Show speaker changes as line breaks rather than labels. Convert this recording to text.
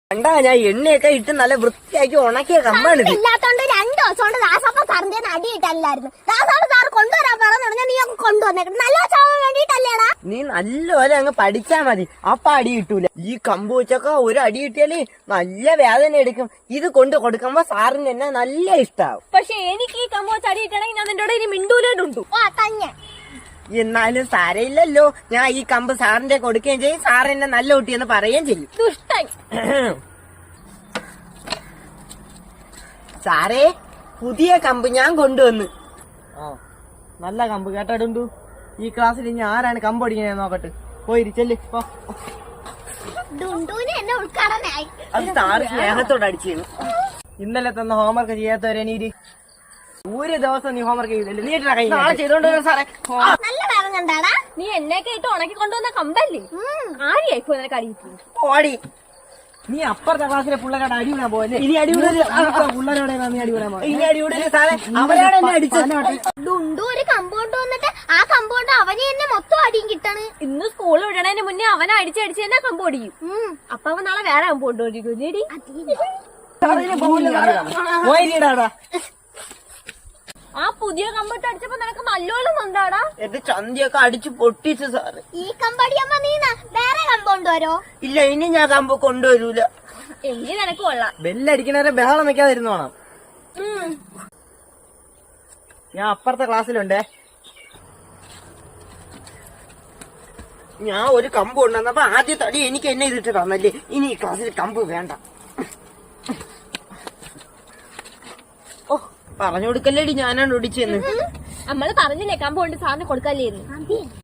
കണ്ടാ ഞാൻ എണ്ണയൊക്കെ ഇട്ട് നല്ല വൃത്തിയാക്കി ഉണക്കിയ കമ്പാണ്
ഇല്ലാത്തോണ്ട് 2 ദിവസം കൊണ്ട് ദാസപ്പ സാറിന്റെ അടിയിട്ടല്ലായിരുന്നു. ദാസോട് സാർ കൊണ്ടുവരാൻ പറഞ്ഞു, നീ കൊണ്ടുവന്നേക്കണം. നല്ല ചാവാൻ വേണ്ടിട്ടല്ലേടാ.
നീ നല്ലപോലെ അങ്ങ് പഠിച്ചാ മതി, അപ്പൊ അടി കിട്ടൂല. ഈ കമ്പ് വെച്ചൊക്കെ ഒരു അടി കിട്ടിയാല് നല്ല വേദന എടുക്കും. ഇത് കൊണ്ട് കൊടുക്കുമ്പോ സാറിന് എന്നെ നല്ല ഇഷ്ടാവും.
പക്ഷെ എനിക്ക് ഈ കമ്പ് വെച്ച് അടി കിട്ടണമെങ്കിൽ ഞാൻ നിന്റെ ഈ മിണ്ടൂലുണ്ടു.
തന്നെ
എന്നാലും സാരയില്ലല്ലോ, ഞാൻ ഈ കമ്പ് സാറിന്റെ കൊടുക്കുകയും ചെയ്യും, സാറിന്റെ നല്ല കുട്ടിയെന്ന് പറയുകയും ചെയ്യും.
ദുഷ്ടൻ.
സാറേ, പുതിയ കമ്പ് ഞാൻ കൊണ്ടുവന്ന്. നല്ല കമ്പ് കേട്ടോ. ഈ ക്ലാസ്സിൽ ഇനി ആരാണ് കമ്പ് അടിക്കണേ നോക്കട്ടെ. പോയി ചെല്ല്. അത് സാറ് സ്നേഹത്തോട് അടിച്ചു. ഇന്നലെ തന്ന ഹോംവർക്ക് ചെയ്യാത്തവരെ നീ ഒരു ദിവസം നീ ഹോംവർക്ക് ചെയ്തില്ല. നീ ചെയ്തോണ്ട് സാറേ.
നല്ല വേദന.
നീ എന്നെയൊക്കെ ഇട്ട് ഉണക്കി കൊണ്ടുവന്ന കമ്പല്ലേ? ആരെയായിപ്പോ നിനക്ക് അടിയിട്ടു?
ഓടി. നീ അപ്പുറത്തെ ക്ലാസ്സിലെ പിള്ളേരോട് അടിവിടാൻ പോയല്ലേ? ഇനി അടിവിടല് പിള്ളേരോടെ നീ അടിവിടാൻ പോയി. ഇനി അടിവിടല് സാറേ, അവരാണ് എന്നെ അടിച്ചത്.
ഡുണ്ടു ഒരു കമ്പൗണ്ട് വന്നിട്ട് ആ കമ്പൗണ്ട് അവനെ തന്നെ മൊത്തം അടിയും കിട്ടണ്.
ഇന്ന് സ്കൂളിൽ വിടണതിന് മുന്നേ അവനെ അടിച്ചടിച്ച് തന്നെ കമ്പ് ഓടിക്കും. അപ്പൊ അവൻ നാളെ വേറെ കമ്പൗണ്ട് ഓടിക്കും. നീടി ആ പുതിയ കമ്പിട്ട് അടിച്ചപ്പോ നിനക്ക് നല്ലോണം നന്ദാടാ.
എന്റെ ചന്തിയൊക്കെ അടിച്ചു പൊട്ടിച്ചു സാറ്.
ഈ കമ്പടിയമ്മ നീ വേറെ കമ്പൗണ്ട് വരോ?
ഇല്ല, ഇനി ഞാൻ കമ്പ് കൊണ്ടുവരൂല.
എങ്കിൽ നിനക്ക് കൊള്ളാം.
ബെല്ലടിക്കണവരെ ബഹളം വെക്കാതിരുന്നു വേണം. ഞാൻ അപ്പുറത്തെ ക്ലാസ്സിലുണ്ടേ. ഞാൻ ഒരു കമ്പ് കൊണ്ടുവന്നപ്പോ ആദ്യത്തെ അടി എനിക്ക് എന്നെ ഇതിട്ട് തന്നല്ലേ. ഇനി ഈ ക്ലാസ്സിൽ കമ്പ് വേണ്ട. പറഞ്ഞു കൊടുക്കല്ലേടി ഞാനാണ് ഒടിച്ചെന്ന്.
നമ്മള് പറഞ്ഞില്ലേ കമ്പ് കൊണ്ട് സാറിന് കൊടുക്കല്ലേന്ന്.